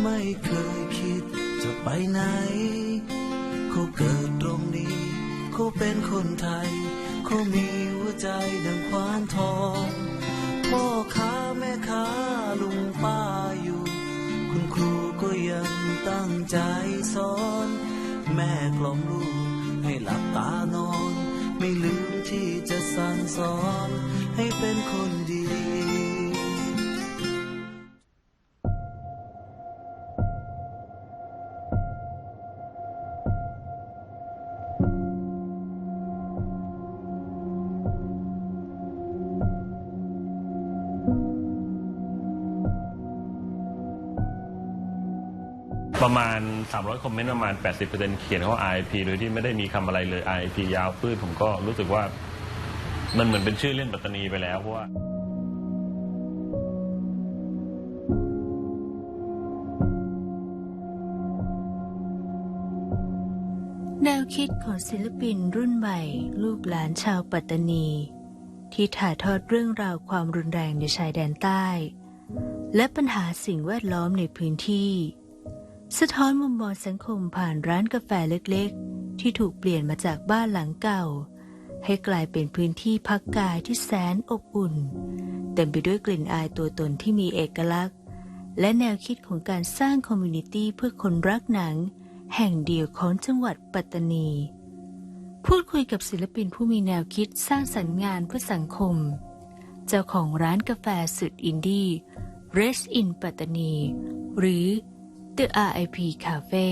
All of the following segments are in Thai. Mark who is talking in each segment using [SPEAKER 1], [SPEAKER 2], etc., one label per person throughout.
[SPEAKER 1] ไม่เคยคิดจะไปไหนเขาเกิดตรงนี้เขาเป็นคนไทยเขามีหัวใจดังควานทองพ่อค้าแม่ค้าลุงป้าอยู่คุณครูก็ยังตั้งใจสอนแม่กล่อมลูกให้หลับตานอนไม่ลืมที่จะสั่งสอนให้เป็นคนดี
[SPEAKER 2] ประมาณ300คอมเมนต์ประมาณ 80% เขียนว่า RIP โดยที่ไม่ได้มีคำอะไรเลย RIP ยาวปื้ดผมก็รู้สึกว่ามันเหมือนเป็นชื่อเล่นปัตตานีไปแล้วเพราะว่า
[SPEAKER 3] แนวคิดของศิลปินรุ่นใหม่ลูกหลานชาวปัตตานีที่ถ่ายทอดเรื่องราวความรุนแรงในชายแดนใต้และปัญหาสิ่งแวดล้อมในพื้นที่สะท้อนมุมมองสังคมผ่านร้านกาแฟเล็กๆที่ถูกเปลี่ยนมาจากบ้านหลังเก่าให้กลายเป็นพื้นที่พักกายที่แสนอบอุ่นเต็มไปด้วยกลิ่นอายตัวตนที่มีเอกลักษณ์และแนวคิดของการสร้างคอมมูนิตี้เพื่อคนรักหนังแห่งเดียวของจังหวัดปัตตานีพูดคุยกับศิลปินผู้มีแนวคิดสร้างสรรค์งานเพื่อสังคมเจ้าของร้านกาแฟสุดอินดี้ Rest in ปัตตานีหรือThe RIP Cafe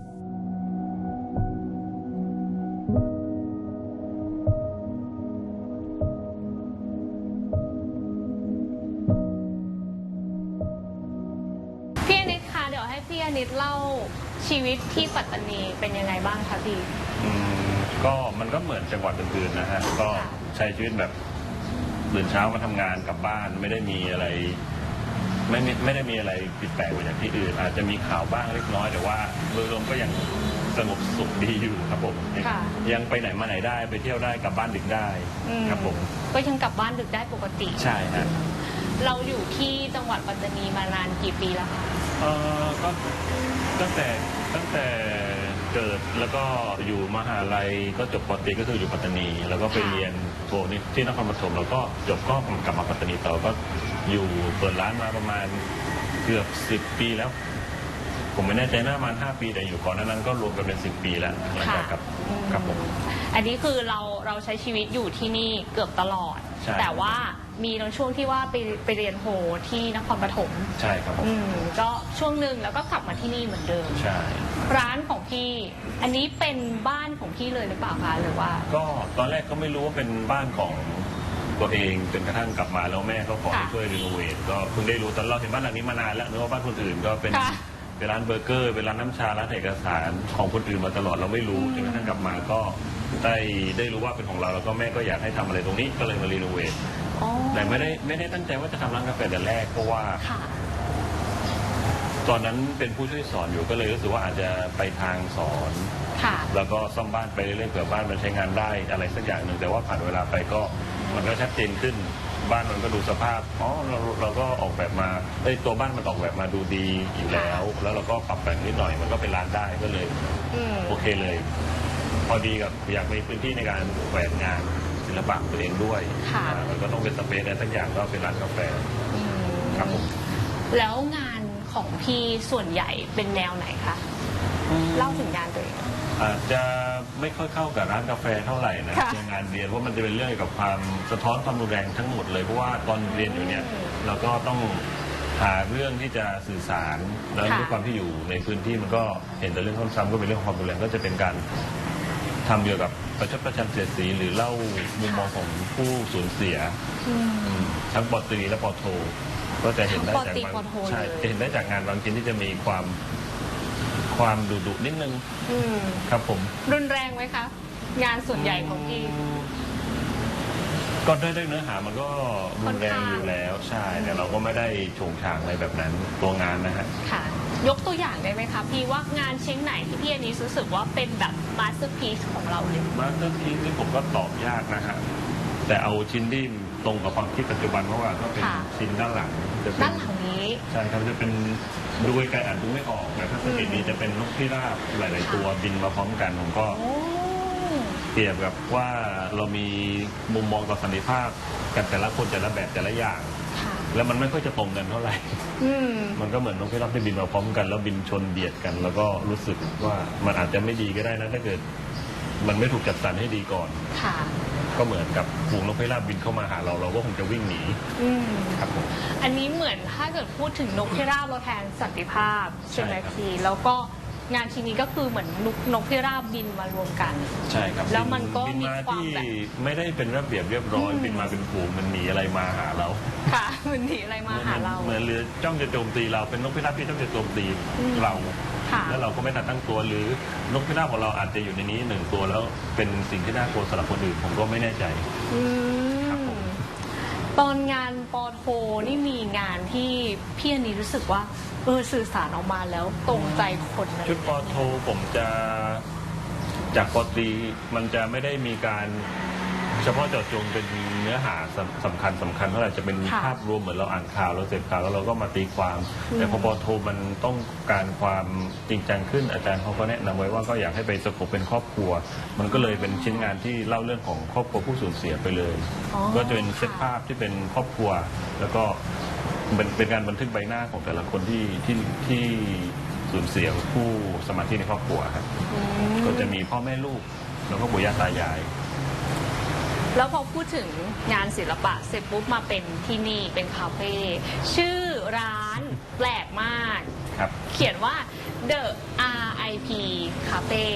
[SPEAKER 4] พี่อนิตคะเดี๋ยวให้พี่อนิตเล่าชีวิตที่ปัตตานีเป็นยังไงบ้างคะพี่
[SPEAKER 2] ก็มันก็เหมือนจังหวัดอื่นๆนะฮะก็ใช้ชีวิตแบบตื่นเช้ามาทำงานกลับบ้านไม่ได้มีอะไรไม่ได้มีอะไรผิดแปลกไปจากที่อื่นอาจจะมีข่าวบ้างเล็กน้อยแต่ว่าโดยรวมก็ยังสงบสุขดีอยู่ครับผมยังไปไหนมาไหนได้ไปเที่ยวได้กลับบ้านดึกได้ครับผม
[SPEAKER 4] ก็ยังกลับบ้านดึกได้ปกติ
[SPEAKER 2] ใช่ฮะ
[SPEAKER 4] เราอยู่ที่จังหวัดปัตตานีมานานกี่ปีแล้วคะ
[SPEAKER 2] ก็ตั้งแต่เกิดแล้วก็อยู่มหาลัยก็จบปตรีก็คืออยู่ปัตตานีแล้วก็ไปเรียนโทที่นครปฐมแล้วก็จบก็กลับมาปัตตานีต่อก็อยู่เปิดร้านมาประมาณเกือบ10 ปีแล้วผมไม่แน่ใจน่าประมาณ5 ปีแต่อยู่ก่อนนั้นก็รวมกันเป็น10 ปีแล้วหลังจากกับผม
[SPEAKER 4] อันนี้คือเราใช้ชีวิตอยู่ที่นี่เกือบตลอดแต่ว่ามีในช่วงที่ว่าไปเรียนโฮที่นครปฐม
[SPEAKER 2] ใช่ครับ
[SPEAKER 4] ก็ช่วงหนึ่งแล้วก็กลับมาที่นี่เหมือนเดิม
[SPEAKER 2] ใช่
[SPEAKER 4] ร้านของพี่อันนี้เป็นบ้านของพี่เลยหรือเปล่าคะหรือว่า
[SPEAKER 2] ก็ตอนแรกก็ไม่รู้ว่าเป็นบ้านของตัวเองจนกระทั่งกลับมาแล้วแม่ก็ขอให้ช่วยรีโนเวทก็เพิ่งได้รู้ตอนเราเห็นบ้านหลังนี้มานานแล้วนึกว่าบ้านคนอื่นก็เป็นร้านเบอร์เกอร์เป็นร้านน้ำชาร้านเอกสารของคนอื่นมาตลอดเราไม่รู้จนกระทั่งกลับมาก็ได้รู้ว่าเป็นของเราแล้วก็แม่ก็อยากให้ทำอะไรตรงนี้ก็เลยมารีโนเวทแต่ไม่ได้ตั้งใจว่าจะทำร้านกาแฟแต่แรกเพราะว่าตอนนั้นเป็นผู้ช่วยสอนอยู่ก็เลยรู้สึกว่าอาจจะไปทางสอนแล้วก็ซ่อมบ้านไปเรื่อยๆเผื่อบ้านมันใช้งานได้อะไรสักอย่างหนึ่งแต่ว่าผ่านเวลาไปก็มันก็ชัดเจนขึ้นบ้านมันก็ดูสภาพเราก็ออกแบบมาตัวบ้านมันออกแบบมาดูดีอยู่แล้วเราก็ปรับแต่งนิดหน่อยมันก็เป็นร้านได้ก็เลยโอเคเลยพอดีกับอยากมีพื้นที่ในการแขวนงานศิลปะตัวเองด้วยมันก็ต้องเป็นสเปซอะไรสักอย่างก็เป็นร้านกาแฟครับผม
[SPEAKER 4] แล้วงานของพี่ส่วนใหญ่เป็นแนวไหนคะเล่าถึงงานตัวเอง
[SPEAKER 2] อาจจะไม่ค่อยเข้ากับร้านกาแฟเท่าไหร่นะงานเรียนเพราะมันจะเป็นเรื่องเกี่ยวกับความสะท้อนความรุนแรงทั้งหมดเลยเพราะว่าตอนเรียนอยู่เนี่ยเราก็ต้องหาเรื่องที่จะสื่อสารแล้วด้วยความที่อยู่ในพื้นที่มันก็เห็นแต่เรื่องซ้ำๆก็เป็นเรื่องความรุนแรงก็จะเป็นการทำเกี่ยวกับประชดประชันเสียดสีหรือเล่ามุมมองของผู้สูญเสียทั้งป.ตรีและป.โทก็จะเห็นได้จากใช่จะเห็นได้จากงานบางชิ้นที่จะมีความดุนิดนึงครับผม
[SPEAKER 4] รุนแรงไหมคะงานส่วนใหญ่ของพี่
[SPEAKER 2] ก็ด้วยเนื้อหามันก็รุนแรงอยู่แล้วใช่แต่เราก็ไม่ได้โฉงฉางอะไรแบบนั้นตัวงานนะฮะ
[SPEAKER 4] ค่ะยกตัวอย่างได้ไหมคะพี่ว่างานชิ้นไหนที่พี่อันนี้รู้สึกว่าเป็นแบบมาสเตอร์พีซของเราเลย
[SPEAKER 2] มาสเตอร์พีซนี่ผมก็ตอบยากนะฮะแต่เอาชิ้นที่ตรงกับความคิดปัจจุบันเพราะว่าก็เป็นชิ้นด้านหลัง
[SPEAKER 4] ด้านหลังนี้
[SPEAKER 2] ใช่ครับจะเป็นดูไกลๆอ่านดูไม่ออกแต่ถ้าสังเกตดีจะเป็นนกพิราบหลายๆตัวบินมาพร้อมกันผมก็เปรียบกับว่าเรามีมุมมองต่อสันติภาพกันแต่ละคนแต่ละแบบแต่ละอย่างแล้วมันไม่ค่อยจะตรงกันเท่าไหร่มันก็เหมือนนกพิราบที่บินมาพร้อมกันแล้วบินชนเบียดกัน แล้วก็รู้สึกว่ามันอาจจะไม่ดีก็ได้นะถ้าเกิดมันไม่ถูกจัดสรรให้ดีก่อนก็เหมือนกับฝูงนกพิราบบินเข้ามาหาเราก็คงจะวิ่งหนีครับผม
[SPEAKER 4] อันนี้เหมือนถ้าเกิดพูดถึงนกพิราบเราแทนสันติภาพใช่ไหมพี่แล้วก็งานชิ้นนี้ก็คือเหมือนนกพิราบบินมารวมกัน
[SPEAKER 2] ใช่ครับ
[SPEAKER 4] แล้วมันก็มีความ
[SPEAKER 2] แบบไม่ได้เป็นระเบียบเรียบร้อยบินมาเป็นฝูงมันหนีอะไรมาหาเรา
[SPEAKER 4] ค่ะมันหนีอะไรมาหาเรา
[SPEAKER 2] เหมือนเรือจ้องจะโจมตีเราเป็นนกพิราบที่จ้องจะโจมตีเราแล้วเราก็ไม่ทันตั้งตัวหรือนกพิราบของเราอาจจะอยู่ในนี้หนึ่งตัวแล้วเป็นสิ่งที่น่ากลัวสำหรับคนอื่นผมก็ไม่แน่ใจ
[SPEAKER 4] ครับผมตอนงานปอโทนี่มีงานที่พี่อันนี้รู้สึกว่าสื่อสารออกมาแล้วตรงใจคน
[SPEAKER 2] ชุดปอโทผมจะจากปอตรีมันจะไม่ได้มีการเฉพาะเจาะจงเป็นเนื้อหาสำคัญเท่าไหร่จะเป็นภาพรวมเหมือนเราอ่านข่าวเราเสพข่าวแล้วเราก็มาตีความแต่พอปอโทมันต้องการความจริงจังขึ้นอาจารย์เขาก็แนะนำไว้ว่าก็อยากให้ไปสกบเป็นครอบครัวมันก็เลยเป็นชิ้นงานที่เล่าเรื่องของครอบครัวผู้สูญเสียไปเลยก็จะเป็นเซตภาพที่เป็นครอบครัวแล้วก็เป็นการบันทึกใบหน้าของแต่ละคนที่สูญเสียผู้สมาชิกในครอบครัวครับก็จะมีพ่อแม่ลูกแล้วก็ปู่ย่าตายาย
[SPEAKER 4] แล้วพอพูดถึงงานศิลปะเสร็จปุ๊บมาเป็นที่นี่เป็นคาเฟ่ชื่อร้านแปลกมากเขียนว่า The RIP Cafe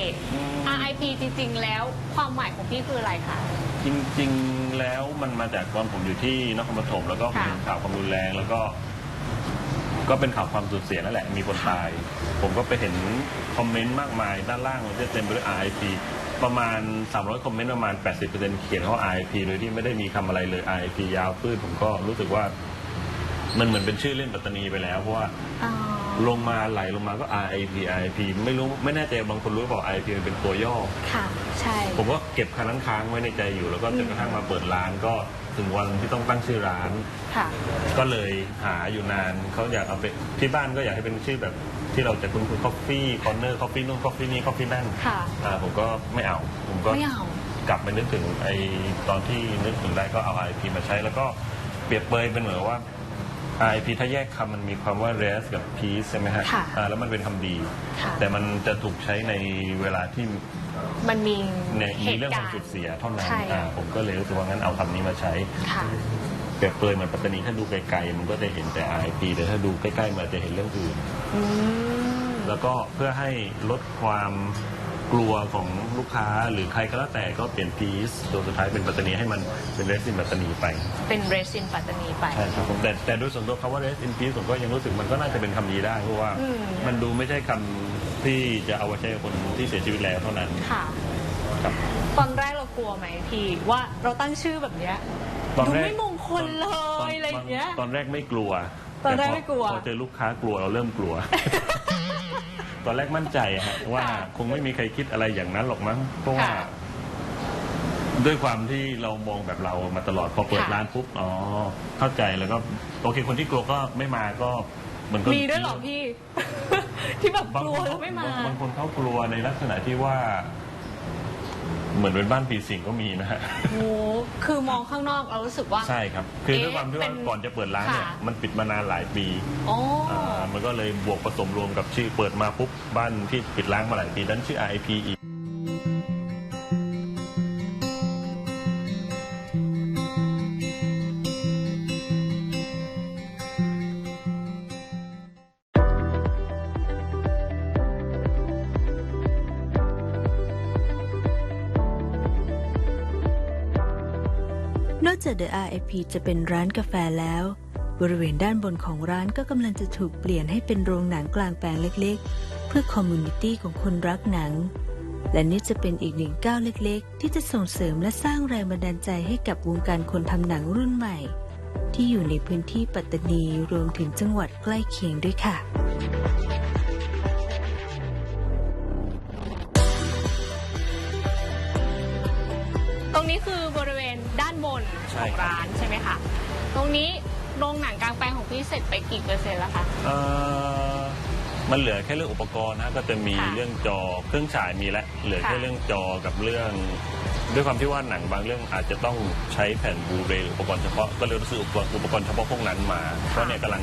[SPEAKER 4] RIP จริงๆแล้วความหมายของพี่คืออะไรคะ
[SPEAKER 2] จริงๆแล้วมันมาจากตอนผมอยู่ที่นครปฐมแล้วก็เป็นข่าวความรุนแรงแล้วก็เป็นข่าวความสูญเสียนั่นแหละมีคนตายผมก็ไปเห็นคอมเมนต์มากมายด้านล่างจะเต็มไปด้วย RIP ประมาณ300คอมเมนต์ประมาณ 80% เขียนว่า RIP โดยที่ไม่ได้มีคำอะไรเลย RIP ยาวพื้นผมก็รู้สึกว่ามันเหมือนเป็นชื่อเล่นปัตตานีไปแล้วเพราะว่าลงมาไหลลงมาก็ RIP ไม่แน่ใจบางคนรู้เปล่า RIP มันเป็นตัวย่อ
[SPEAKER 4] ค่ะใช่
[SPEAKER 2] ผมก็เก็บคำนั้นค้างไว้ในใจอยู่แล้วก็จนกระทั่งมาเปิดร้านก็ถึงวันที่ต้องตั้งชื่อร้านก็เลยหาอยู่นานเขาอยากเอาไปที่บ้านก็อยากให้เป็นชื่อแบบที่เราจะคุ้นๆ Coffee Corner Coffee นู่น Coffee นี่ Coffee นั่นผมก็ไม่เอาผมก็กลับไปนึกถึงไอ้ตอนที่นึกถึงได้ก็เอา RIP มาใช้แล้วก็เปรียบเปรยเป็นเหมือนว่า RIP ถ้าแยกคำมันมีความว่า rest กับ peace ใช่ไหมฮะแล้วมันเป็นคำดีแต่มันจะถูกใช้ในเวลาที่
[SPEAKER 4] มันมี
[SPEAKER 2] เรื่องความสูญเสียเท่านั้นผมก็เลยรู้สึกว่างั้นเอาคำนี้มาใช้เปรียบเปรยเหมือนปัตตานีถ้าดูไกลๆมันก็จะเห็นแต่ RIP แต่ถ้าดูใกล้ๆมันจะเห็นเรื่องอื่นแล้วก็เพื่อให้ลดความกลัวของลูกค้าหรือใครก็แล้วแต่ก็เปลี่ยน peace ตัวสุดท้ายเป็นปัตตานีให้มันเป็น rest in ปัตตานีไป
[SPEAKER 4] เป็น rest in ปัตตานีไป
[SPEAKER 2] ใช่ครับผมแต่โดยส่วนตัวคำว่า rest in peace ผมก็ยังรู้สึกมันก็น่าจะเป็นคำนี้ได้เพราะว่ามันดูไม่ใช่คำที่จะเอาไว้ใช้กับคนที่เสียชีวิตแล้วเท่านั้น
[SPEAKER 4] ครับตอนแรกเรากลัวไหมพี่ว่าเราตั้งชื่อแบบเนี้ยดูไม่มงคลเลยอะไรอย่างเงี้ย
[SPEAKER 2] ตอนแรกไม่กลัว
[SPEAKER 4] ตอนแรกไม่กลัว
[SPEAKER 2] พอเจอลูกค้ากลัวเราเริ่มกลัวตอนแรกมั่นใจฮะว่าคงไม่มีใครคิดอะไรอย่างนั้นหรอกมั้งเพราะว่าด้วยความที่เรามองแบบเรามาตลอดพอเปิดร้านปุ๊บอ๋อเข้าใจแล้วก็โอเคคนที่กลัวก็ไม่มาก็
[SPEAKER 4] มันก็มีด้วยหรอพี่ที่แบบกลัวแล้วไม่มา
[SPEAKER 2] บางคนเขากลัวในลักษณะที่ว่าเหมือนเป็นบ้านปีสิงก็มีนะฮะ
[SPEAKER 4] โอ้คือมองข้างนอกเรารู้สึกว่า
[SPEAKER 2] ใช่ครับคือด้วยความที่ว่าก่อนจะเปิดร้านเนี่ยมันปิดมานานหลายปีมันก็เลยบวกผสมรวมกับชื่อเปิดมาปุ๊บบ้านที่ปิดร้างมาหลายปีนั้นชื่อ RIP อีก
[SPEAKER 3] นอกจาก The RIP จะเป็นร้านกาแฟแล้วบริเวณด้านบนของร้านก็กำลังจะถูกเปลี่ยนให้เป็นโรงหนังกลางแปลงเล็กๆเพื่อคอมมูนิตี้ของคนรักหนังและนี่จะเป็นอีกหนึ่งก้าวเล็กๆที่จะส่งเสริมและสร้างแรงบันดาลใจให้กับวงการคนทำหนังรุ่นใหม่ที่อยู่ในพื้นที่ปัตตานีรวมถึงจังหวัดใกล้เคียงด้วยค่ะ
[SPEAKER 4] ตรงนี้คือบริเวณด้านบนของร้านใช่ไหมคะตรงนี้โรงหนังกลางแปลงของพี่เสร็จไปกี่เปอร์เซ็นต์แล้วคะ
[SPEAKER 2] มันเหลือแค่เรื่องอุปกรณ์นะก็จะมี
[SPEAKER 4] ค่ะ
[SPEAKER 2] เรื่องจอเครื่องฉายมีแล้วเหลือ
[SPEAKER 4] ค่ะ
[SPEAKER 2] แค่เรื่องจอกับเรื่องด้วยความที่ว่าหนังบางเรื่องอาจจะต้องใช้แผ่นบลูเรย์หรืออุปกรณ์เฉพาะก็เลยรู้สึกอุปกรณ์เฉพาะพวกนั้นมาก็เนี่ยกำลัง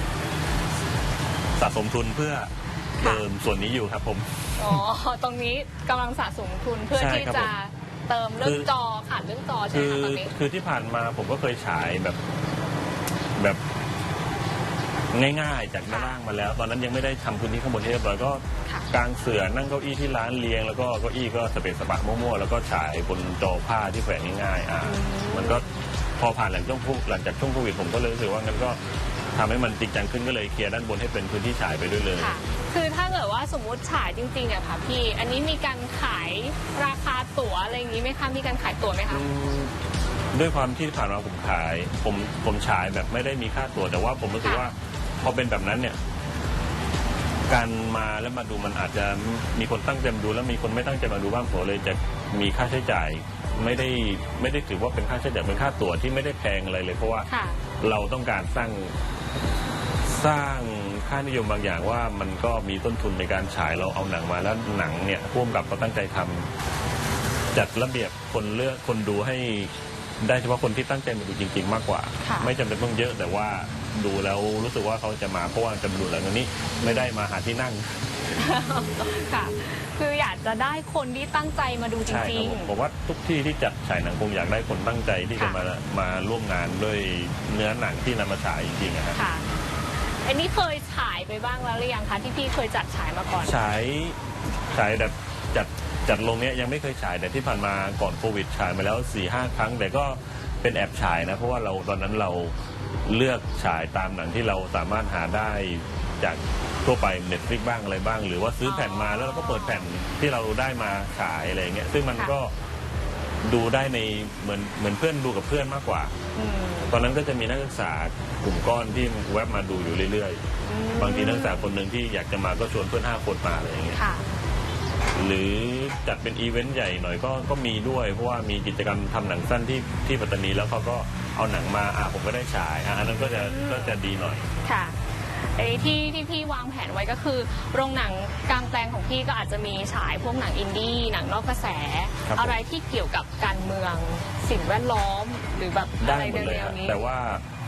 [SPEAKER 2] สะสมทุนเพื่อเติมส่วนนี้อยู่ครับผม
[SPEAKER 4] อ๋อ ตรงนี้กำลังสะสมทุนเพื่อ
[SPEAKER 2] ใช่
[SPEAKER 4] ที่
[SPEAKER 2] ครับ
[SPEAKER 4] จะ
[SPEAKER 2] ผม
[SPEAKER 4] เติมเรื่องจอขาดเรื่องจอใช่ไหมคะตอนนี้
[SPEAKER 2] คือที่ผ่านมาผมก็เคยฉายแบบง่ายๆจากด้านล่างมาแล้ว ตอนนั้นยังไม่ได้ทำพื้นที่ข้างบนให้เรียบร้อยก็
[SPEAKER 4] ค่ะ
[SPEAKER 2] กางเสื่อนั่งเก้าอี้ที่ร้านเรียงแล้วก็เก้าอี้ก็สเปซสปะมั่วๆแล้วก็ฉายบนจอผ้าที่แขวนง่ายๆมันก็พอผ่านหลังจากช่วงโควิดผมก็เลยรู้สึกว่างั้นก็ทำให้มันจริงจังขึ้นก็เลยเคลียร์ด้านบนให้เป็นพื้นที่ฉายไปด้วยเลย
[SPEAKER 4] ค่ะ คือถ้าเกิดว่าสมมุติฉายจริงๆอะค่ะพี่ อันนี้มีการขายราคาตั๋วอะไรอย่างนี้ไหมคะ มีการขายตั๋วไหมคะ
[SPEAKER 2] ด้วยความที่ผ่านมาผมฉายแบบไม่ได้มีค่าตั๋วแต่ว่าผมรู้สึกว่าพอเป็นแบบนั้นเนี่ยการมาแล้วมาดูมันอาจจะมีคนตั้งใจมาดูแล้วมีคนไม่ตั้งใจมาดูบ้างผมเลยจะมีค่าใช้จ่ายไม่ได้ถือว่าเป็นค่าใช้จ่ายเป็นค่าตั๋วที่ไม่ได้แพงอะไรเลยเพราะว่า
[SPEAKER 4] ค่ะ
[SPEAKER 2] เราต้องการสร้างค่านิยมบางอย่างว่ามันก็มีต้นทุนในการฉายเราเอาหนังมาแล้วหนังเนี่ยพ่วงกับก็ตั้งใจทำจัดระเบียบคนดูให้ได้เฉพาะคนที่ตั้งใจมาดูจริงๆมากกว่า
[SPEAKER 4] ค่ะ
[SPEAKER 2] ไม่จำเป็นต้องเยอะแต่ว่าดูแล้วรู้สึกว่าเขาจะมาเพราะว่าจะมาดูหนังนี้ไม่ได้มาหาที่นั่ง
[SPEAKER 4] ค่ะ คืออยากจะได้คนที่ตั้งใจมาดูจ
[SPEAKER 2] ใช่ค
[SPEAKER 4] ริ
[SPEAKER 2] รับ
[SPEAKER 4] ง
[SPEAKER 2] ผมว่าทุกที่ที่จัดฉายหนังคงอยากได้คนตั้งใจที่จะ
[SPEAKER 4] ค่ะ
[SPEAKER 2] มาร่วมงานด้วยเนื้อหนังที่นำมาฉายจริงๆนะครับ
[SPEAKER 4] ๆ ค่ะ อันนี้เคยฉายไปบ้างแล้วหรือยังคะที่พี่เคยจัดฉายมาก่อน
[SPEAKER 2] ฉายแบบจัดลงเนี้ยยังไม่เคยฉายแต่ที่ผ่านมาก่อนโควิดฉายมาแล้ว 4-5 ครั้ง แต่ก็เป็นแอบฉายนะเพราะว่าตอนนั้นเราเลือกฉายตามหนังที่เราสามารถหาได้จากทั่วไป Netflix บ้างอะไรบ้าง หรือว่าซื้อแผ่นมาแล้วเราก็เปิดแผ่นที่เราได้มาฉายอะไรอย่างเงี้ยซึ่งมันก็ดูได้ในเหมือนเพื่อนดูกับเพื่อนมากกว่า
[SPEAKER 4] อืม
[SPEAKER 2] ตอนนั้นก็จะมีนักศึกษากลุ่มก้อนที่แวบมาดูอยู่เรื่อยๆ บางทีนักศึกษาคนหนึ่งที่อยากจะมาก็ชวนเพื่อน5 คนมาอะไรอย่างเงี้ย
[SPEAKER 4] ค่ะ
[SPEAKER 2] หรือจัดเป็นอีเวนต์ใหญ่หน่อยก็มีด้วย เพราะว่ามีกิจกรรมทำหนังสั้นที่ปัตตานีแล้วเขาก็เอาหนังมาผมก็ได้ฉายอันนั้นก็จะดีหน่อย
[SPEAKER 4] ค่ะไอ้ที่พี่วางแผนไว้ก็คือโรงหนังกลางแปลงของพี่ก็อาจจะมีฉายพวกหนังอินดี้หนังนอกกระแส
[SPEAKER 2] ครับผม
[SPEAKER 4] อะไรที่เกี่ยวกับการเมืองสิ่งแวดล้อมหรือแบบอะ
[SPEAKER 2] ได้
[SPEAKER 4] ไร
[SPEAKER 2] หมดเลย
[SPEAKER 4] แนว
[SPEAKER 2] ฮะ
[SPEAKER 4] ๆนี้
[SPEAKER 2] แต่ว่า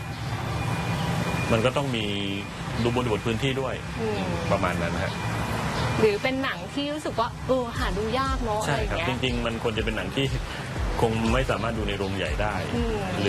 [SPEAKER 2] มันก็ต้องมีดูบริบทพื้นที่ด้วย
[SPEAKER 4] อืม
[SPEAKER 2] ประมาณนั้นฮะ
[SPEAKER 4] หรือเป็นหนังที่รู้สึกว่าหาดูยากเนาะอะไร
[SPEAKER 2] ใช่
[SPEAKER 4] อย่าง
[SPEAKER 2] ครับ
[SPEAKER 4] เงี้ย
[SPEAKER 2] จริง ๆ มันควรจะเป็นหนังที่คงไม่สามารถดูในโรงใหญ่ได้
[SPEAKER 4] อืม
[SPEAKER 2] ห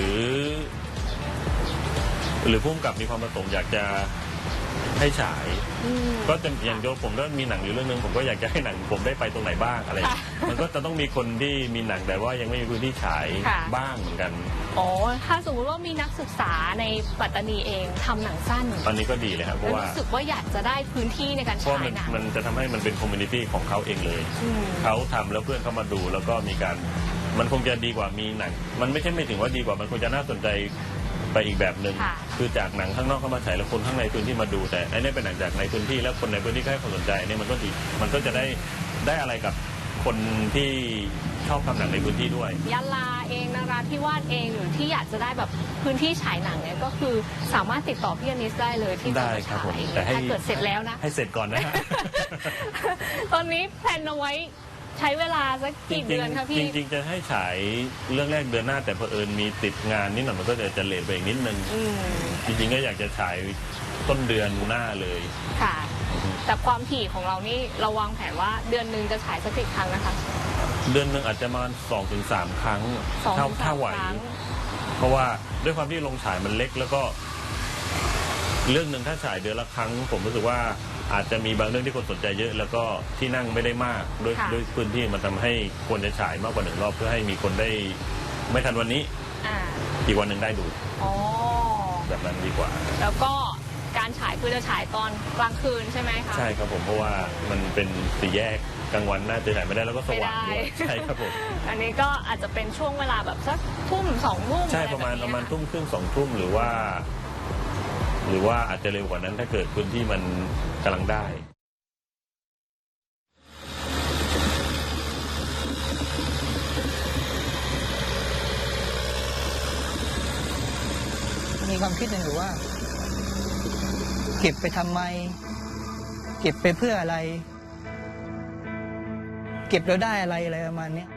[SPEAKER 2] รือผู้กำกับมีความประสงค์อยากจะให้ฉาย
[SPEAKER 4] อืม
[SPEAKER 2] ก็จะอย่างโยผมก็มีหนังอยู่เรื่องนึงผมก็อยากจะให้หนังผมได้ไปตรงไหนบ้างอะไรอย่างเงี้ย
[SPEAKER 4] ค่ะ
[SPEAKER 2] มันก็จะต้องมีคนที่มีหนังแต่ว่ายังไม่มีพื้นที่ฉาย
[SPEAKER 4] ค่ะ
[SPEAKER 2] บ้างเหมือนกัน
[SPEAKER 4] อ๋อถ้าสมมติว่ามีนักศึกษาในปัตตานีเองทำหนังสั้น
[SPEAKER 2] ตอนนี้ก็ดีเลยครับเพ
[SPEAKER 4] แล้ว
[SPEAKER 2] ราะว่า
[SPEAKER 4] รู้สึกว่าอยากจะได้พื้นที่ในการ
[SPEAKER 2] เพราะ
[SPEAKER 4] ฉาย
[SPEAKER 2] มัน
[SPEAKER 4] หนัง
[SPEAKER 2] มันจะทำให้มันเป็นคอมมูนิตี้ของเขาเองเลย
[SPEAKER 4] อืม
[SPEAKER 2] เขาทำแล้วเพื่อนเขามาดูแล้วก็มีการมันคงจะดีกว่ามีหนัง มันไม่ใช่ไม่ถึงว่าดีกว่ามันคงจะน่าสนใจไปอีกแบบหนึ่ง
[SPEAKER 4] ค่ะ
[SPEAKER 2] คือจากหนังข้างนอกเข้ามาฉายแล้วคนข้างในพื้นที่มาดู แต่อันนี้เป็นหนังจากในพื้นที่แล้วคนในพื้นที่ก็ให้ความสนใจอันนี้มันก็ดีมันก็จะได้อะไรกับคนที่ชอบทำหนังในพื้นที่ด้วย
[SPEAKER 4] ยะลาเองนราธิวาสเองหรือที่อยากจะได้แบบพื้นที่ฉายหนังเนี่ยก็คือสามารถติดต่อพี่อนิสได้เลยที่จะ
[SPEAKER 2] ได้
[SPEAKER 4] มา
[SPEAKER 2] ครับ
[SPEAKER 4] ฉา
[SPEAKER 2] ผม
[SPEAKER 4] ย
[SPEAKER 2] แต่ให้
[SPEAKER 4] ถ้าเกิดเสร็จแล้วนะ
[SPEAKER 2] ให้เสร็จก่อนนะฮะ
[SPEAKER 4] ตอนนี้แพลนเอาไว้ใช้เวลาสักกี่เดือนคะพี่
[SPEAKER 2] จริงๆจะให้ฉายเรื่องแรกเดือนหน้าแต่เผอิญมีติดงานนิดหน่อยมันก็จะเลทไปอีกนิดนึง
[SPEAKER 4] อืม
[SPEAKER 2] จริงๆก็อยากจะฉายต้นเดือนหน้าเลย
[SPEAKER 4] ค่ะ แต่ความถี่ของเรานี่เราวางแผนว่าเดือนหนึ่งจะฉายสักกี่ครั้งนะคะ
[SPEAKER 2] เดือนหนึ่งอาจจะประมาณ2-3 ครั้ง
[SPEAKER 4] สองถึง
[SPEAKER 2] ถ้า
[SPEAKER 4] สาม
[SPEAKER 2] ไหว
[SPEAKER 4] ครั้ง
[SPEAKER 2] เพราะว่าด้วยความที่โรงฉายมันเล็กแล้วก็เรื่องหนึ่งถ้าฉายเดือนละครั้ง ผมรู้สึกว่าอาจจะมีบางเรื่องที่คนสนใจเยอะ แล้วก็ที่นั่งไม่ได้มากด้วยพื้นที่มันทำให้ควรจะฉายมากกว่า1 รอบเพื่อให้มีคนได้ไม่ทันวันนี้
[SPEAKER 4] อ่า
[SPEAKER 2] อีกวันหนึ่งได้ดู
[SPEAKER 4] อ๋อ
[SPEAKER 2] แบบนั้นดีกว่า
[SPEAKER 4] แล้วก็การฉายคือจะฉายตอนกลางคืนใช่ไหมคะ
[SPEAKER 2] ใช่ครับผมเพราะว่ามันเป็นสี่แยกกลางวันน่าจะฉายไม่ได้แล้วก็สว่างด้วย
[SPEAKER 4] ไม่ได้
[SPEAKER 2] ใช่ครับผม
[SPEAKER 4] อันนี้ก็อาจจะเป็นช่วงเวลาแบบสักทุ่มสองทุ่ม
[SPEAKER 2] ใช่
[SPEAKER 4] อไ
[SPEAKER 2] ประมาณ
[SPEAKER 4] แบบนี้
[SPEAKER 2] ทุ่มครึ่ง2 ทุ่มหรือว่าอาจจะเร็วกว่านั้นถ้าเกิดพื้นที่มันกำลังได้
[SPEAKER 3] ร
[SPEAKER 5] มีความคิดหนึ่งอยู่ว่า เก็บไปทำไม เก็บไปเพื่ออะไร เก็บแล้วได้อะไรประมาณนี้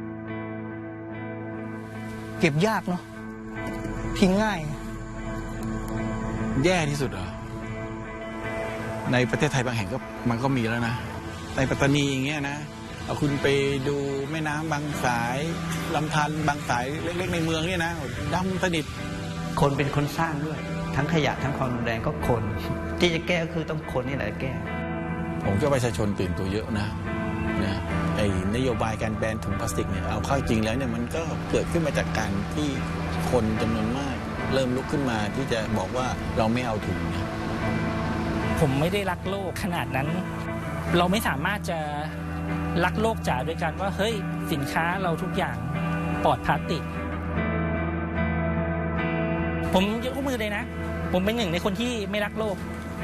[SPEAKER 5] เก็บยากเนาะทิ้งง่าย
[SPEAKER 6] แย่ที่สุดเหรอในประเทศไทยบางแห่งก็มันก็มีแล้วนะในปัตตานีอย่างเงี้ยนะเอาคุณไปดูแม่น้ำบางสายลำธารบางสายเล็กๆในเมืองเนี่ยนะดำสนิท
[SPEAKER 7] คนเป็นคนสร้างด้วยทั้งขยะทั้งความรุนแรงก็คนที่จะแก้ก็คือต้องคนนี่แหละแก้
[SPEAKER 6] ผมเชื่อประชาชนตื่นตัวเยอะนะไอ้นโยบายการแบนถุงพลาสติกเนี่ยเอาเข้าจริงแล้วเนี่ยมันก็เกิดขึ้นมาจากการที่คนจำนวนมากเริ่มลุกขึ้นมาที่จะบอกว่าเราไม่เอาถุงนะ
[SPEAKER 8] ผมไม่ได้รักโลกขนาดนั้น เราไม่สามารถจะรักโลกจ๋าด้วยกันว่าเฮ้ยสินค้าเราทุกอย่างปลอดพลาสติกผมยกมือเลยนะผมเป็นหนึ่งในคนที่ไม่รักโลก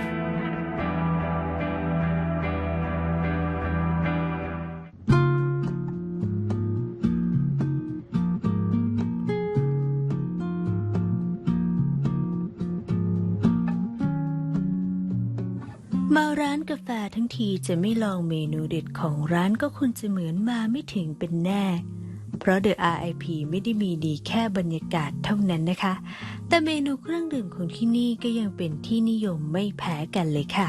[SPEAKER 3] มาร้านกาแฟทั้งทีจะไม่ลองเมนูเด็ดของร้านก็คุณจะเหมือนมาไม่ถึงเป็นแน่เพราะ The RIP ไม่ได้มีดีแค่บรรยากาศเท่านั้นนะคะแต่เมนูเครื่องดื่มของที่นี่ก็ยังเป็นที่นิยมไม่แพ้กันเลยค่ะ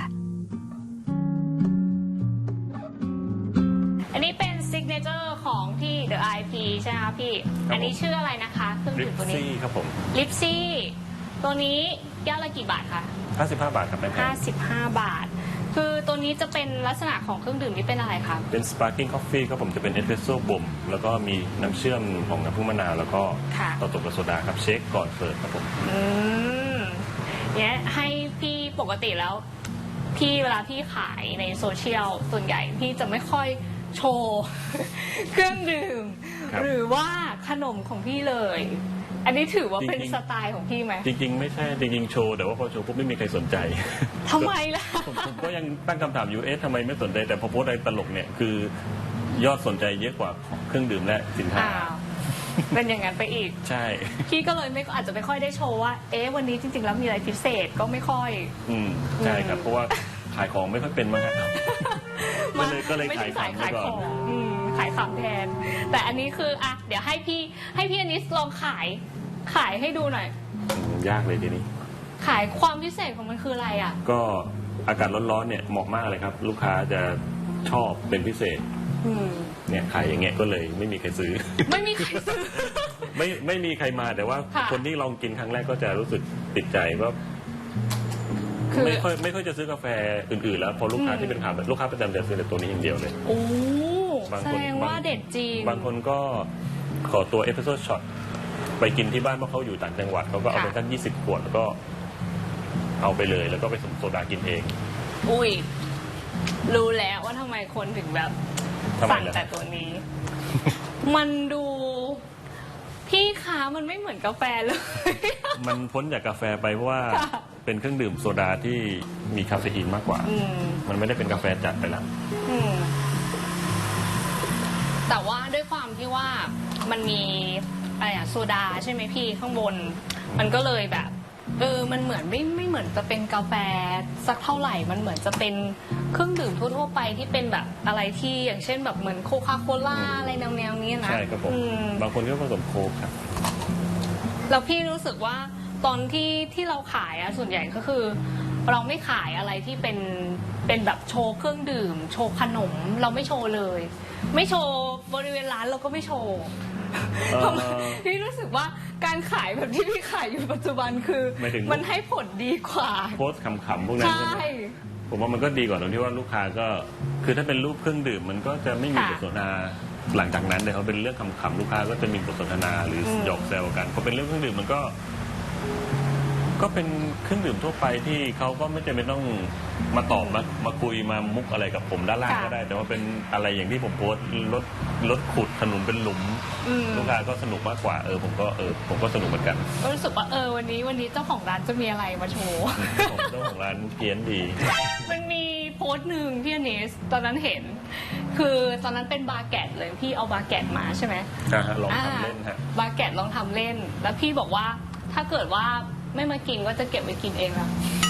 [SPEAKER 4] อันนี้เป็นซิกเนเจอร์ของที่ The IP ใช่ไหมคะพี่
[SPEAKER 2] ครับ
[SPEAKER 4] อันนี้ชื่ออะไรนะคะเครื่อง
[SPEAKER 2] ลิ
[SPEAKER 4] ดื่
[SPEAKER 2] ป
[SPEAKER 4] มตัวนี้
[SPEAKER 2] ซี่ครับผม
[SPEAKER 4] ลิปซี่ตัวนี้แก้วละกี่บาทคะ
[SPEAKER 2] 55 บาทครับแม่แพง
[SPEAKER 4] 55 บาท คือตัวนี้จะเป็นลักษณะของเครื่องดื่มที่เป็นอะไรคะ
[SPEAKER 2] เป็น sparkling coffee ครับผมจะเป็นเอสเปรสโซ่บ่มแล้วก็มีน้ำเชื่อมของน้ำผึ้งมะนาวแล้วก็
[SPEAKER 4] ค่ะ
[SPEAKER 2] ต่อตบกับโซดาครับเช็คก่อนเสิร์ฟครับผม
[SPEAKER 4] เนี่ยให้พี่ปกติแล้ว พี่เวลาพี่ขายในโซเชียลส่วนใหญ่พี่จะไม่ค่อยโชว์ เครื่องดื่ม
[SPEAKER 2] ครับ
[SPEAKER 4] หรือว่าขนมของพี่เลย อันนี้ถือว่าเป็น
[SPEAKER 2] จริงๆ
[SPEAKER 4] สไตล์ของพี่ไหม
[SPEAKER 2] จริงๆไม่ใช่จริงๆโชว์แต่ว่าพอโชว์ปุ๊บไม่มีใครสนใจ
[SPEAKER 4] ทำไมล่ะ
[SPEAKER 2] ผมก็ยังตั้งคำถามอยู่ทำไมไม่สนใจแต่พอโพสต์อะไรตลกเนี่ยคือยอดสนใจเยอะกว่าเครื่องดื่มและสินค้า
[SPEAKER 4] อ้าวเป็นอย่างนั้นไปอีก
[SPEAKER 2] ใช่
[SPEAKER 4] พี่ก็เลยอาจจะไม่ค่อยได้โชว์ว่า วันนี้จริงๆแล้วมีอะไรพิเศษก็ไม่ค่อย
[SPEAKER 2] ใช่ครับเพราะว่าขายของไม่ค่อยเป็นมั้งครับ ก็เลย
[SPEAKER 4] ไม่
[SPEAKER 2] ขา
[SPEAKER 4] ใช่
[SPEAKER 2] ย
[SPEAKER 4] สาย
[SPEAKER 2] ขำไว้
[SPEAKER 4] ขาย
[SPEAKER 2] ก่
[SPEAKER 4] ข
[SPEAKER 2] อน
[SPEAKER 4] องขายขำแทน แต่อันนี้คือเดี๋ยวให้พี่อนิสลองขายให้ดูหน่อย
[SPEAKER 2] ยากเลยทีนี้
[SPEAKER 4] ขายความพิเศษของมันคืออะไรอ่ะ
[SPEAKER 2] ก็อากาศร้อนๆเนี่ยเหมาะมากเลยครับ ลูกค้าจะชอบเป็นพิเศษเนี่ยขายอย่างเงี้ยก็เลยไม่มีใครซื้อ
[SPEAKER 4] ไม่มีใครซื้อ
[SPEAKER 2] ไม่มีใครมาแต่ว่า
[SPEAKER 4] ค่ะ
[SPEAKER 2] คนที่ลองกินครั้งแรกก็จะรู้สึกติดใจว่า
[SPEAKER 4] คือ
[SPEAKER 2] ไม่ค่อยจะซื้อกาแฟอื่นๆแล้วพอลูกค้าที่เป็นขาแบบลูกค้าประจำจะซื้อแต่ตัวนี้อย่างเดียวเลย
[SPEAKER 4] โอ้
[SPEAKER 2] บาง
[SPEAKER 4] แส
[SPEAKER 2] คน
[SPEAKER 4] ดงว่าเด็ดจริง
[SPEAKER 2] บางคนก็ขอตัวเอสเปรสโซ่ช็อตไปกินที่บ้านเพราะเขาอยู่ต่างจังหวัดเขาก็เอาไป
[SPEAKER 4] ค่ะ
[SPEAKER 2] สัก20 ขวดแล้วก็เอาไปเลยแล้วก็ไปผสมโซดากินเอง
[SPEAKER 4] อุ้ยรู้แล้วว่าทำไมคนถึงแบบ
[SPEAKER 2] ทำไม
[SPEAKER 4] สั่ง
[SPEAKER 2] ล่ะ
[SPEAKER 4] แต่ตัวนี้ มันดูพี่คะมันไม่เหมือนกาแฟเลย
[SPEAKER 2] มันพ้นจากกาแฟไปเพราะว่า
[SPEAKER 4] ค่ะ
[SPEAKER 2] เป็นเครื่องดื่มโซดาที่มีคาเฟอีนมากกว่า มันไม่ได้เป็นกาแฟจัดไปแล้ว
[SPEAKER 4] อืมแต่ว่าด้วยความที่ว่ามันมีอะไรอะโซดาใช่ไหมพี่ข้างบน มันก็เลยแบบ มันเหมือนไม่เหมือนจะเป็นกาแฟสักเท่าไหร่ มันเหมือนจะเป็นเครื่องดื่มทั่วๆไปที่เป็นแบบอะไรที่อย่างเช่นแบบเหมือนโคคาโคล่าอะไรแนวๆนี้นะ
[SPEAKER 2] ใช่ครับผม บางคนก็ผสมโค้กครับ
[SPEAKER 4] แล้วพี่รู้สึกว่าตอนที่เราขายอะส่วนใหญ่ก็คือ เราไม่ขายอะไรที่เป็นแบบโชว์เครื่องดื่ม โชว์ขนมเราไม่โชว์เลย ไม่โชว์บริเวณร้านเราก็ไม่โชว์ ทำไมพี่รู้สึกว่าการขายแบบที่พี่ขายอยู่ปัจจุบันคือ
[SPEAKER 2] หมายถึง
[SPEAKER 4] มันให้ผลดีกว่า
[SPEAKER 2] โพสต์ขำๆพวกนั้น
[SPEAKER 4] ใช่
[SPEAKER 2] ใช่ไหมผมว่ามันก็ดีกว่าตรงที่ว่าลูกค้าก็คือถ้าเป็นรูปเครื่องดื่มมันก็จะไม่มีบทสนทนาหลังจากนั้นเลยเขาเป็นเรื่องขำๆลูกค้าก็จะมีบทสนทนาหรือหยอกแซวกันพอเป็นเรื่องเครื่องดื่มมันก็เป็นเครื่องดื่มทั่วไปที่เขาก็ไม่จำเป็นต้องมาตอบมาคุยมามุกอะไรกับผมด้านล่างก็ได้ แต่ว่าเป็นอะไรอย่างที่ผมโพสต์รถขุดถนนเป็นหลุมลูกค้าก็สนุกมากกว่าผมก็สนุกเหมือนกัน
[SPEAKER 4] ก็รู้สึกว่าวันนี้เจ้าของร้านจะมีอะไรมาโชว์
[SPEAKER 2] ผมเจ้าของร้านเพี้ยนดี
[SPEAKER 4] มันมีโพสต์หนึ่งพี่อเนสตอนนั้นเห็น คือตอนนั้นเป็นบาร์แกตเลยพี่เอาบาร์แกตมาใช่ไหม
[SPEAKER 2] ลองทำเล่นฮะ
[SPEAKER 4] บาร์แกตลองทำเล่น แล้วพี่บอกว่าถ้าเกิดว่าไม่มากินก็จะเก็บไว้กินเองแล้ว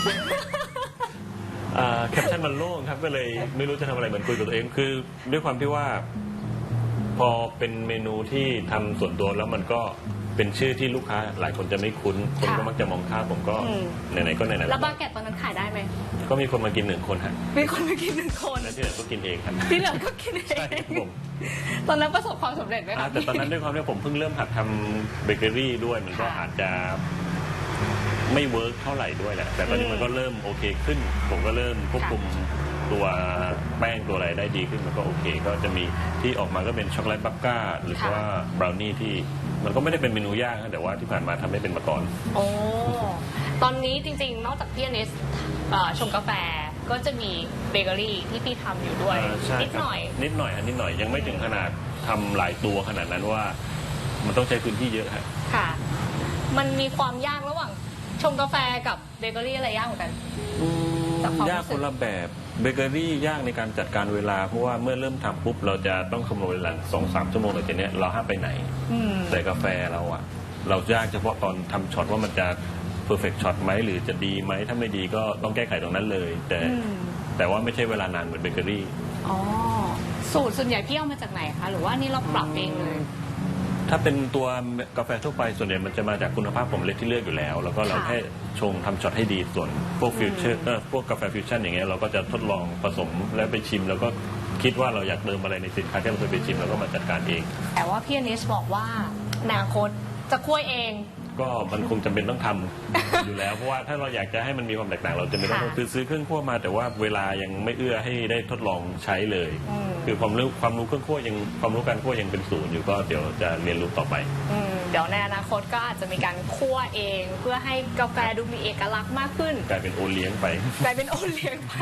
[SPEAKER 2] แคปชั่นมันโล่งครับก็เลยไม่รู้จะทำอะไรเหมือนคุยกับตัวเองคือด้วยความที่ว่า พอเป็นเมนูที่ทำส่วนตัวแล้วมันก็เป็นชื่อที่ลูกค้าหลายคนจะไม่คุ้นคนก็มักจะมองข้ามผมก็ไหนๆก็ไหนๆ
[SPEAKER 4] แล้วบาเก็ตตอนนั้นขายได้ไหม
[SPEAKER 2] ก็มีคนมากิน1 คนฮะ
[SPEAKER 4] มีคนมากิน1 คน
[SPEAKER 2] แล้วที่เหลือก็กินเองครับ
[SPEAKER 4] ที่เหลือก็กินเอ
[SPEAKER 2] ใช่ครั
[SPEAKER 4] ง
[SPEAKER 2] บผม
[SPEAKER 4] ตอนนั้นประสบความสำเร็จไหมคะ
[SPEAKER 2] แต่ตอนนั้นด้วยความที่ผมเพิ่งเริ่มหัดทำเบเกอรี่ด้วยมันก็อาจจะไม่เวิร์กเท่าไหร่ด้วยแหละแต่ตอนนี้มันก็เริ่มโอเคขึ้น ผมก็เริ่มควบคุมตัวแป้งตัวอะไรได้ดีขึ้นมันก็โอเค ก็จะมีที่ออกมาก็เป็นช็อกโกแลตบัคก้าหรือว่าบราวนี่ที่มันก็ไม่ได้เป็นเมนูยากนะแต่ว่าที่ผ่านมาทำให้เป็นมาก่อน
[SPEAKER 4] โอ้ตอนนี้จริงๆนอกจากพี่อนิสชงกาแฟก็จะมีเบเกอรี่ที่พี่ทำอยู่ด้วย
[SPEAKER 2] ใช่
[SPEAKER 4] นิด
[SPEAKER 2] ครับ
[SPEAKER 4] หน่อย
[SPEAKER 2] นิดหน่อยฮะนิดหน่อยยังไม่ถึงขนาดทำหลายตัวขนาดนั้นว่า มันต้องใช้พื้นที่เยอะฮะ
[SPEAKER 4] ค่ะ มันมีความยากระหว่างชงกาแฟกับเบเกอรี่อะไรยากเหมือนกัน จากความรู้สึก
[SPEAKER 2] ยากคนละแบบเบเกอรี่ยากในการจัดการเวลาเพราะว่าเมื่อเริ่มทำปุ๊บเราจะต้องคำนวณเวลา2-3 ชั่วโมงหลังจากนี้เราห้ามไปไหน แต่กาแฟเราอะเรายากเฉพาะตอนทำช็อตว่ามันจะเพอร์เฟกต์ช็อตไหมหรือจะดีไหมถ้าไม่ดีก็ต้องแก้ไขตรงนั้นเลย แต่ว่าไม่ใช่เวลานานเหมือนเบเกอรี่
[SPEAKER 4] อ๋อสูตรส่วนใหญ่พี่เอามาจากไหนคะหรือว่านี่เราปรับเองเลย
[SPEAKER 2] ถ้าเป็นตัวกาแฟทั่วไปส่วนใหญ่มันจะมาจากคุณภาพของเมล็ดที่เลือกอยู่แล้ว แล้วก็เราแค่ชงทำช็อตให้ดีส่วนพวกฟิวเจอร์พวกกาแฟฟิวชั่นอย่างเงี้ยเราก็จะทดลองผสมแล้วไปชิม แล้วก็คิดว่าเราอยากเติมอะไรในสินค้าที่เราเคยไปชิมแล้วก็มาจัดการเอง
[SPEAKER 4] แต่ว่าพี่อนิสบอกว่าอนาคตจะคั่วเอง
[SPEAKER 2] ก็มันคงจำเป็นต้องทำ อยู่แล้วเพราะว่าถ้าเราอยากจะให้มันมีความแตกต่างเราจะไม่ต้องซื้อเครื่องคั่วมา แต่ว่าเวลายังไม่เอื้อให้ได้ทดลองใช้เลย คือความรู้เครื่องคั่วยังความรู้การคั่วยังเป็นศูนย์อยู่ก็เดี๋ยวจะเรียนรู้ต่อไป
[SPEAKER 4] เดี๋ยวในอนาคตก็อาจจะมีการคั่วเอง เพื่อให้กาแฟดูมีเอกลักษณ์มากขึ้น
[SPEAKER 2] กลายเป็นโอเลี้ยงไป
[SPEAKER 4] กลายเป็นโอเลี้ยงไป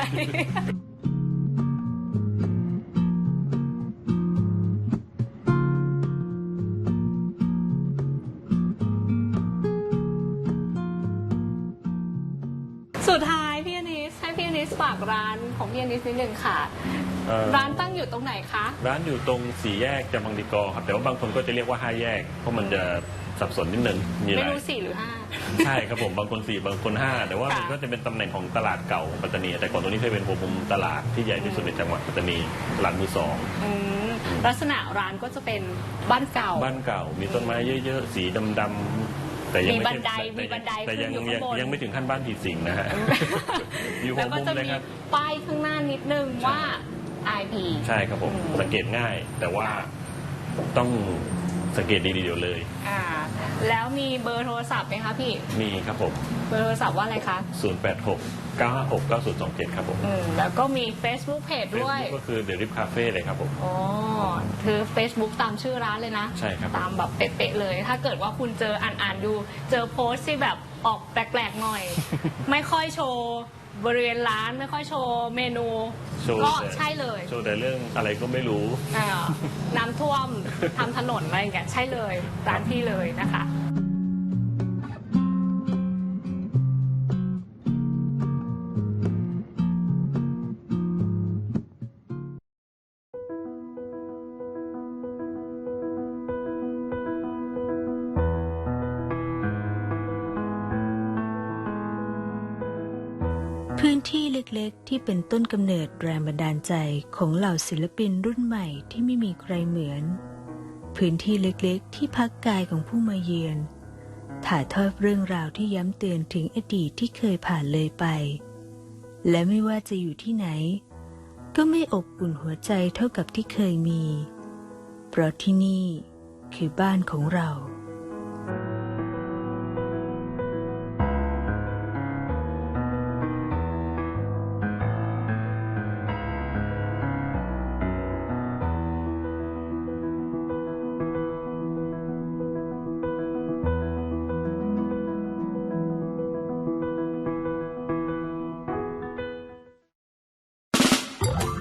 [SPEAKER 4] สุดท้ายพี่อนิสให้พี่อนิสฝากร้านของพี่อนิสนิดนึงค่ะ ร้านตั้งอยู่ตรงไหนคะ
[SPEAKER 2] ร้านอยู่ตรง4 แยกจำบางดีกอครับแต่ว่าบางคนก็จะเรียกว่า5 แยกเพราะมันจะสับสนนิดนึงมีห
[SPEAKER 4] ไม่
[SPEAKER 2] ลาย
[SPEAKER 4] รู้4 หรือ
[SPEAKER 2] ใช่ครับผมบางคน4บางคน5แต่ว่ามันก็จะเป็นตำแหน่งของตลาดเก่าปัตตานีแต่ก่อนตรงนี้เคยเป็นหัวมุมตลาดที่ใหญ่ที่สุดในจังหวัดปัตตานีตลาดมือ
[SPEAKER 4] 5ลักษณะร้านก็จะเป็นบ้านเก่า
[SPEAKER 2] บ้านเก่ามีต้นไม้เยอะๆสีดำๆแต่ยังไม่
[SPEAKER 4] มีบันได
[SPEAKER 2] แต่ยัง
[SPEAKER 4] ขึ้นอยู่ข้างบน
[SPEAKER 2] ยังไม่ถึงขั้นบ้านผีสิงนะฮะ อยู่หั
[SPEAKER 4] แล้ว วก็
[SPEAKER 2] มุม
[SPEAKER 4] จะ
[SPEAKER 2] เลย
[SPEAKER 4] มี
[SPEAKER 2] ครับ
[SPEAKER 4] ป้ายข้างหน้านิดนึงว่า IP
[SPEAKER 2] ใช่ครับผมสังเกตง่าย แต่ว่าต้องสังเกตดีๆเดี๋ยวเลย
[SPEAKER 4] แล้วมีเบอร์โทรศัพท์ไหมคะพี่
[SPEAKER 2] มีครับผม
[SPEAKER 4] เบอร์โทรศัพท์ว่าอะไรคะ
[SPEAKER 2] 086-956-9027 ครับผม
[SPEAKER 4] แล้วก็มี Facebook Page ด้วย
[SPEAKER 2] Facebook ก็คือ The Rip Cafe เลยครับผม
[SPEAKER 4] อ๋อคือ Facebook ตามชื่อร้านเลยนะ
[SPEAKER 2] ใช่ครับ
[SPEAKER 4] ตามแบบเป๊ะๆเลย ถ้าเกิดว่าคุณเจออ่านดู เจอโพสต์ที่แบบออกแปลกๆหน่อย ไม่ค่อยโชว์บริเวณร้านไม่ค่อยโชว์เมนู
[SPEAKER 2] โชว์
[SPEAKER 4] ก็
[SPEAKER 2] แต่
[SPEAKER 4] ใช่เลย
[SPEAKER 2] โชว์แต่เรื่องอะไรก็ไม่รู้
[SPEAKER 4] น้ำท่วมทำถนนอะไรอย่างเงี้ยใช่เลยร้านพี่เลยนะคะ
[SPEAKER 3] พื้นที่เล็กๆที่เป็นต้นกำเนิดแรงบันดาลใจของเหล่าศิลปินรุ่นใหม่ที่ไม่มีใครเหมือน พื้นที่เล็กๆที่พักกายของผู้มาเยือนถ่ายทอดเรื่องราวที่ย้ำเตือนถึงอดีตที่เคยผ่านเลยไป และไม่ว่าจะอยู่ที่ไหน ก็ไม่อบอุ่นหัวใจเท่ากับที่เคยมี เพราะที่นี่คือบ้านของเรา